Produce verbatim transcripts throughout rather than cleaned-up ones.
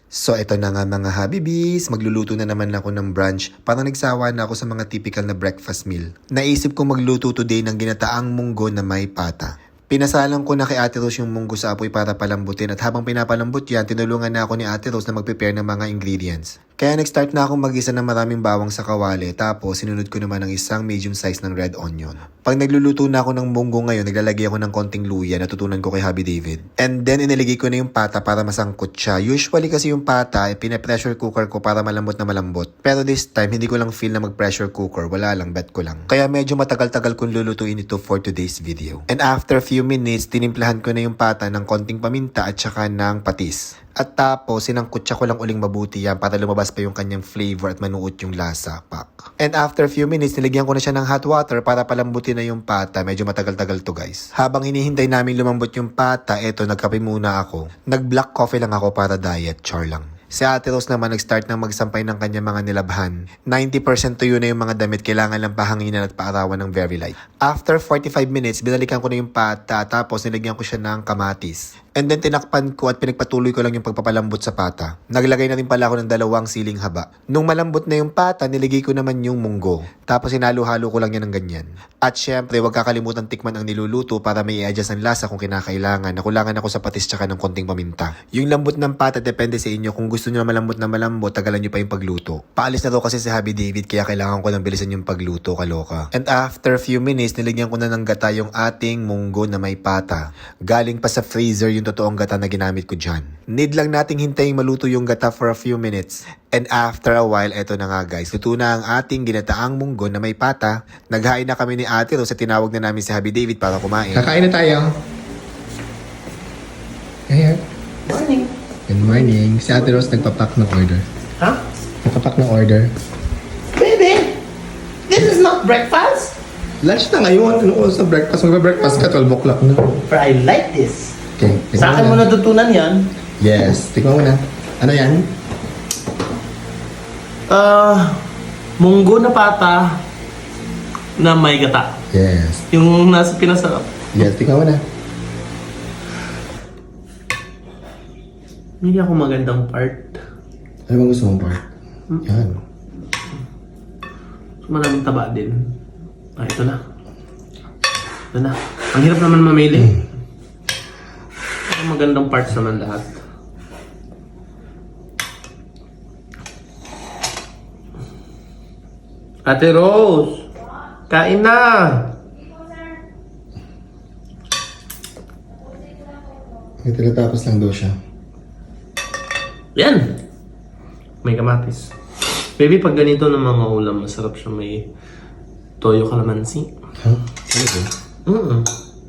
So eto na nga mga Habibis, magluluto na naman ako ng brunch. Parang nagsawa na ako sa mga typical na breakfast meal. Naisip ko magluto today ng ginataang munggo na may pata. Pinasalang ko na kay Ate Rose yung munggo sa apoy para palambutin at habang pinapalambot yan, tinulungan na ako ni Ate Rose na mag-prepare ng mga ingredients. Kaya nag-start na akong mag-isa ng maraming bawang sa kawali tapos sinunod ko naman ng isang medium size ng red onion. Pag nagluluto na ako ng munggo ngayon, naglalagay ako ng konting luya na tutunan ko kay Habi David. And then iniligay ko na yung pata para masangkot siya. Usually kasi yung pata, eh, pina-pressure cooker ko para malambot na malambot. Pero this time, hindi ko lang feel na mag-pressure cooker. Wala lang, bet ko lang. Kaya medyo matagal-tagal kong lulutuin ito for today's video. And after few minutes, tinimplahan ko na yung pata ng konting paminta at saka ng patis. At tapos, sinangkutsa ko lang uling mabuti yan para lumabas pa yung kanyang flavor at manuot yung lasa, pak. And after few minutes, nilagyan ko na siya ng hot water para palambutin na yung pata. Medyo matagal-tagal to guys. Habang hinihintay namin lumambot yung pata, eto, nagkape muna ako. Nag-black coffee lang ako para diet, char lang. Si Ate Rose naman nag-start ng magsampay ng kanyang mga nilabhan. ninety percent tuyo na yung mga damit, kailangan lang pahanginan at paarawan ng very light. After forty-five minutes, binalikan ko na yung pata tapos nilagyan ko siya ng kamatis. And then tinakpan ko at pinagpatuloy ko lang yung pagpapalambot sa pata. Naglagay na rin pala ako ng dalawang siling haba. Nung malambot na yung pata, niligay ko naman yung munggo. Tapos hinalo-halo ko lang yan ng ganyan. At syempre, huwag kakalimutan tikman ang niluluto para may i-adjust ang lasa kung kinakailangan. Nakulangan ako sa patis tsaka ng konting paminta. Yung lambot ng pata depende sa inyo. Kung gusto nyo na malambot na malambot, tagalan nyo pa yung pagluto. Paalis na to kasi si Habi David kaya kailangan ko lang bilisan yung pagluto, kaloka. And after few minutes, niligyan ko na ng gata yung ating munggo na may pata. Galing pa sa freezer yung totoong gata na ginamit ko dyan. Need lang nating hintayin maluto yung gata for a few minutes. And after a while, eto na nga guys, luto na ang ating ginataang munggo na may pata. Naghain na kami ni Ate Rose at tinawag na namin si Habi David para kumain. Kakain na tayo. Ayan. Morning. Good morning. Si Ate Rose nagpapak ng order. Huh? Nagpapak ng order. Baby, this is not breakfast. Lunch na ngayon. Ano oras na breakfast? Magpa-breakfast ka, twelve o'clock na. But I like this. Okay. Sa akin mo natutunan yan. Yes. Tikman mo na. Ano yan? Uh, munggo na pata na may gata. Yes. Yung nasa pinasarap. Yes. Tikman mo na. Hindi ako magandang part. Ano bang gusto mong part? Yan. Maraming taba din. Ah, ito na. Ito na. Ang hirap naman mamili. Mm. Ang magandang parts naman lahat. Ate Rose! Kain na! May tinatapos lang daw siya. Yan! May kamatis. Baby, pag ganito ng mga ulam, masarap siya may toyo calamansi. Ha? Huh? Ano ba? Mm-mm.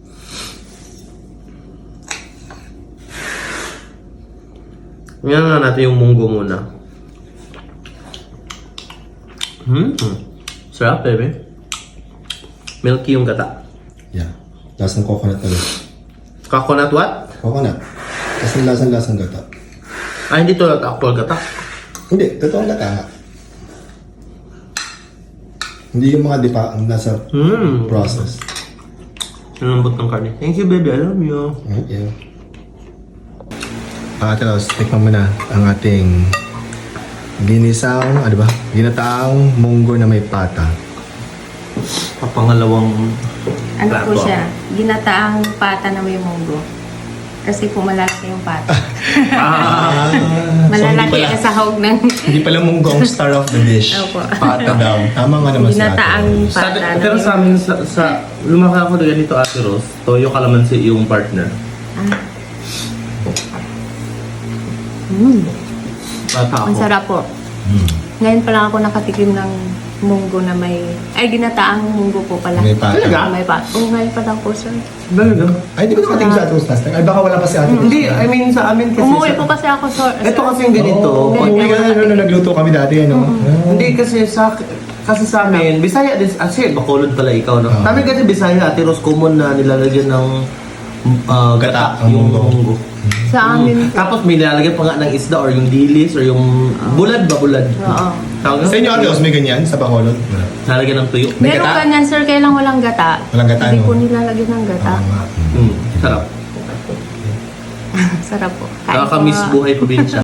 Ngayon nga natin yung munggo muna. Hmm. Sarap, baby. Milky yung gata. Yeah. Lasang coconut na rin. Coconut what? Coconut. Kasi lasang-lasang gata. Ah, hindi to actual gata. Hindi. Totoong gata nga. Hindi yung mga dipa ang nasa Hmm. process. Nalambot ng karne. Thank you, baby. I love you. Thank you. Ate Rose, tikman mo na ang ating ginisang, ano ba? Ginataang munggo na may pata. Papangalawang Ano plato po siya? ako. Ginataang pata na may munggo. Kasi po malalaki yung pata. Ah, Malalaki pala- ang sahog ng Hindi pala munggo ang star of the dish. Opo. Pata daw. Tama nga naman si Ate Ginataang Rose. Sa, pata na pero may sa amin, sa, sa lumaki ako na ganito, Ate Rose, toyo calamansi yung partner. Ah. Mm, Bata ako. ang sarap po. Hmm. Ngayon pa lang ako nakatikim ng munggo na may... Ay, ginataang munggo po pala. May pata. Talaga? May pata. Oo, ngayon pa lang po, sir. Talaga? Ay, di ba nakatingin sa Ate Rose last time? Ay, baka wala pa si Ate Rose. Hindi, I mean sa amin kasi... Umuwi sa, po kasi ako, sir. Ito kasi yung ganito. Oh, Pag- umuwi ka na nung nagluto kami dati, ano? Ah. Hindi kasi sa kasi sa amin, Bisaya din, ah, shit, Bacolod pala ikaw, no? Ah. Namin kasi Bisaya, Ate Rose, common na nilalagyan ng ah, gata, Ang yung munggo. munggo. Sa amin po. Tapos may nilalagyan pa nga ng isda or yung dilis or yung bulad ba, bulad? Oo. Tawag Sa inyo, Ate Rose, may ganyan sa Bacolod? Wala. Nilalagyan ng tuyo. May Meron gata? ganyan, sir, kaya lang walang gata. Walang gata, Hindi no? po nilalagyan ng gata. Oo nga. Hmm, sarap. Sarap po. Kain po Nakakamiss nga. buhay probinsya.